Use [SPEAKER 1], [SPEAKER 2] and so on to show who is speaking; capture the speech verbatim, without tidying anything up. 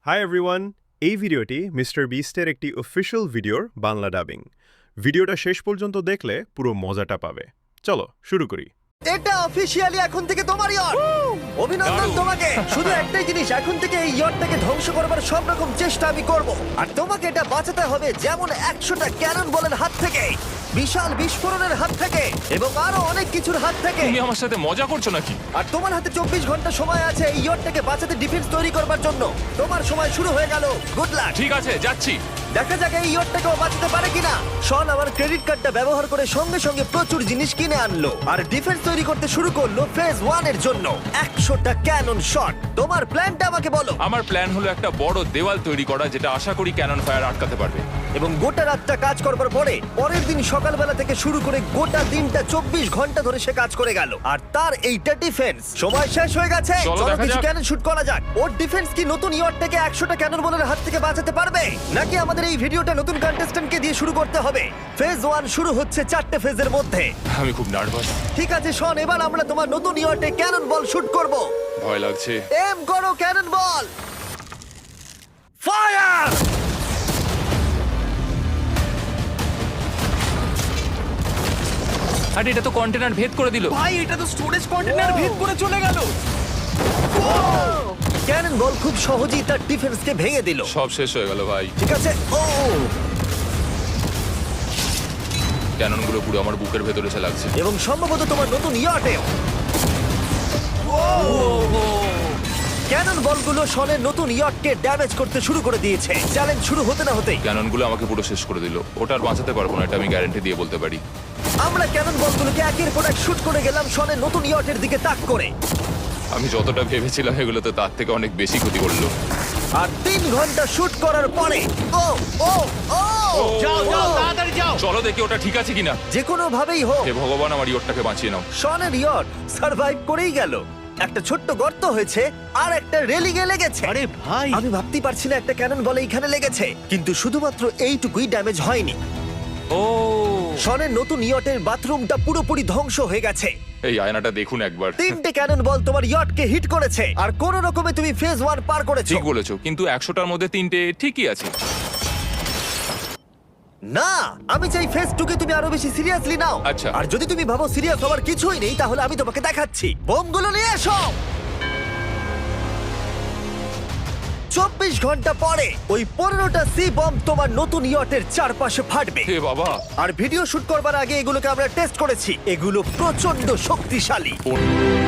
[SPEAKER 1] Hi everyone, এই ভিডিওটি mister বিস্টের একটি অফিশিয়াল ভিডিওর বাংলা ডাবিং। ভিডিওটা শেষ পর্যন্ত দেখলে পুরো মজাটা পাবে। চলো শুরু করি।
[SPEAKER 2] এটা অফিশিয়ালি এখন থেকে তোমার ইয়ট। অভিনন্দন
[SPEAKER 3] দারুণ।
[SPEAKER 2] তোমাকে। শুধু একটাই জিনিস, এখন থেকে এই ইয়টটাকে ধ্বংস করবার সব রকম চেষ্টা আমি করব, আর তোমাকে এটা বাঁচাতে হবে যেমন একশোটা ক্যানন বলের হাত থেকে, বিশাল বিস্ফোরণের হাত থেকে, এবং আরো অনেক কিছুর হাত থেকে।
[SPEAKER 3] তুমি আমার সাথে মজা করছো নাকি?
[SPEAKER 2] আর তোমার হাতে চব্বিশ ঘন্টা সময় আছে এই ইয়টটাকে বাঁচাতে, ডিফেন্স তৈরি করবার জন্য। তোমার সময় শুরু হয়ে গেল। Good luck.
[SPEAKER 3] ঠিক আছে, যাচ্ছি।
[SPEAKER 2] দেখা যাক এই ইয়টটাকেও বাঁচাতে পারে কিনা। শন আমার ক্রেডিট কার্ডটা ব্যবহার করে সঙ্গে সঙ্গে প্রচুর জিনিস কিনে আনলো আর ডিফেন্স তৈরি করতে শুরু করলো ফেজ ওয়ান এর জন্য। একশোটা ক্যানন শট। তোমার প্ল্যানটা আমাকে বলো।
[SPEAKER 3] আমার প্ল্যান হলো একটা বড় দেওয়াল তৈরি করা, যেটা আশা করি ক্যানন ফায়ার আটকাতে পারবে।
[SPEAKER 2] এবং গোটা রাতটা কাজ করবার পরে পরের দিন সকালবেলা থেকে শুরু করে গোটা দিনটা চব্বিশ ঘন্টা ধরে সে কাজ করে গেল, আর তার এইটা ডিফেন্স। সময় শেষ হয়ে গেছে।
[SPEAKER 3] চলো
[SPEAKER 2] চলো
[SPEAKER 3] দেখা
[SPEAKER 2] কিছু
[SPEAKER 3] যাক।
[SPEAKER 2] ক্যানন শুট করা যাক। ওর ডিফেন্স কি নতুন ইয়টটাকে একশোটা ক্যানন বলের হাত থেকে বাঁচাতে পারবে, নাকি আমাদের এই ভিডিওটা নতুন কন্টেস্ট্যান্টকে দিয়ে শুরু করতে হবে? ফেজ ওয়ান শুরু হচ্ছে চারটে ফেজের মধ্যে।
[SPEAKER 3] আমি খুব নার্ভাস।
[SPEAKER 2] ঠিক আছে শন, এবার আমরা তোমার নতুন ইয়টে ক্যানন বল শুট করব।
[SPEAKER 3] ভয় লাগছে।
[SPEAKER 2] এম করো ক্যানন বল। ফায়ার!
[SPEAKER 3] আরে এটা তো কন্টেনার ভেদ করে দিল।
[SPEAKER 4] ভাই এটা তো স্টোরেজ কন্টেনার ভেদ করে চলে গেল।
[SPEAKER 2] ক্যানন বল খুব সহজেই তার ডিফেন্সকে ভেঙে দিল।
[SPEAKER 3] সব শেষ হয়ে গেল ভাই।
[SPEAKER 2] ঠিক আছে। ও
[SPEAKER 3] ক্যাননগুলো পুরো আমার বুকের ভেতরে এসে লাগছে।
[SPEAKER 2] এবং সম্ভবত তোমার নতুন ইয়টেও। ক্যানন বলগুলো শনের নতুন ইয়টকে ড্যামেজ করতে শুরু করে দিয়েছে। চ্যালেঞ্জ শুরু হতে না হতেই
[SPEAKER 3] ক্যাননগুলো আমাকে পুরো শেষ করে দিল। ওটা আর বাঁচাতে পারবো না, এটা আমি গ্যারান্টি দিয়ে বলতে পারি।
[SPEAKER 2] আমরা ক্যানন বলগুলোকে একের পর এক শুট করে গেলাম শনের নতুন ইয়টের দিকে তাক করে।
[SPEAKER 3] আমি যতটা ভেবেছিলাম এগুলো তো তার থেকে অনেক বেশি ক্ষতি করলো।
[SPEAKER 2] আর তিন ঘন্টা শুট করার পরে ও ও ও
[SPEAKER 4] যাও যাও তাড়াতাড়ি যাও।
[SPEAKER 3] চলো দেখি ওটা ঠিক আছে কিনা।
[SPEAKER 2] যে কোনো ভাবেই হোক
[SPEAKER 3] হে ভগবান, আমার ইয়টটাকে বাঁচিয়ে নাও।
[SPEAKER 2] শনের ইয়ট সার্ভাইভ করেই গেল। একটা ছোট্ট গর্ত হয়েছে আর একটা রেলিং এ লেগেছে।
[SPEAKER 4] আরে ভাই
[SPEAKER 2] আমি ভাবতেই পারছি না একটা ক্যানন বলে এখানে লেগেছে, কিন্তু শুধুমাত্র এইটুকুই ড্যামেজ হয়নি।
[SPEAKER 3] ও
[SPEAKER 2] শনের নতুন ইয়টের বাথরুমটা পুরোপুরি ধ্বংস হয়ে গেছে।
[SPEAKER 3] এই আয়নাটা দেখুন একবার।
[SPEAKER 2] তিনটে ক্যানন বল তোমার ইয়টকে হিট করেছে, আর কোন রকমে তুমি ফেজ ওয়ান পার করেছো।
[SPEAKER 3] ঠিক বলেছো, কিন্তু একশোটার মধ্যে তিনটে ঠিকই আছে।
[SPEAKER 2] না, আমি চাই ফেজ টুকে তুমি আরো বেশি সিরিয়াসলি নাও।
[SPEAKER 3] আচ্ছা।
[SPEAKER 2] আর যদি তুমি ভাবো সিরিয়াস হওয়ার কিছুই নেই, তাহলে আমি তোমাকে দেখাচ্ছি। বোমগুলো নিয়ে এসো। চব্বিশ ঘন্টা পরে ওই পনেরোটা সি বম তোমার নতুন ইয়টের চারপাশে ফাটবে।
[SPEAKER 3] হে বাবা,
[SPEAKER 2] আর ভিডিও শুট করবার আগে এগুলোকে আমরা টেস্ট করেছি। এগুলো প্রচন্ড শক্তিশালী।
[SPEAKER 3] কোন-